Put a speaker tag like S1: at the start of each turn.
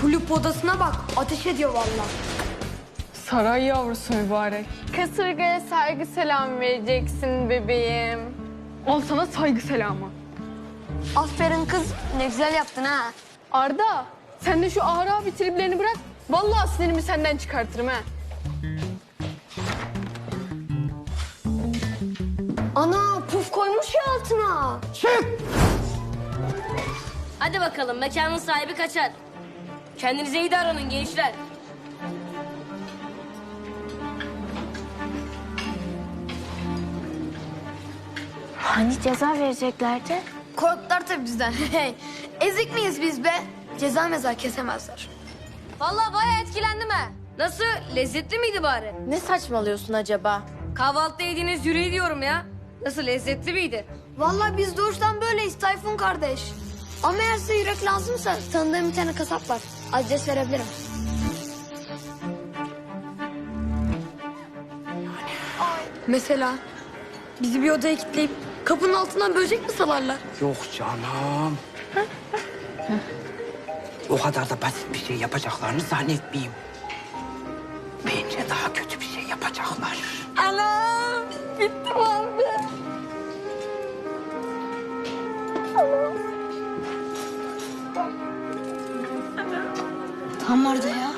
S1: Kulüp odasına bak, ateş ediyor vallahi.
S2: Saray yavrusu mübarek.
S3: Kasırgaya saygı selam vereceksin bebeğim.
S2: Al sana saygı selamı.
S1: Aferin kız, ne güzel yaptın ha.
S3: Arda, sen de şu ağır abi triplerini bırak. Vallahi sinirimi senden çıkartırım ha.
S1: Ana, puf koymuş ya altına.
S4: Hadi bakalım mekanın sahibi kaçar. Kendinize iyi davranın gençler.
S5: Hani ceza vereceklerdi?
S1: Korktular tabii bizden. Ezik miyiz biz be? Ceza mezar kesemezler.
S4: Vallahi bayağı etkilendim ha. Nasıl? Lezzetli miydi bari?
S5: Ne saçmalıyorsun acaba?
S4: Kahvaltıda yediğiniz yüreği diyorum ya. Nasıl, lezzetli miydi?
S1: Vallahi biz doğuştan böyleyiz Tayfun kardeş. Ama eğer size yürek lazımsa tanıdığım bir tane kasap var. Adres verebilirim. Mesela bizi bir odaya kilitleyip kapının altından böcek mi salarlar?
S6: Yok canım. O kadar da basit bir şey yapacaklarını zannetmeyeyim. Bence daha kötü bir şey yapacaklar.
S1: Anam! Bittim abi.
S5: Tam orada ya.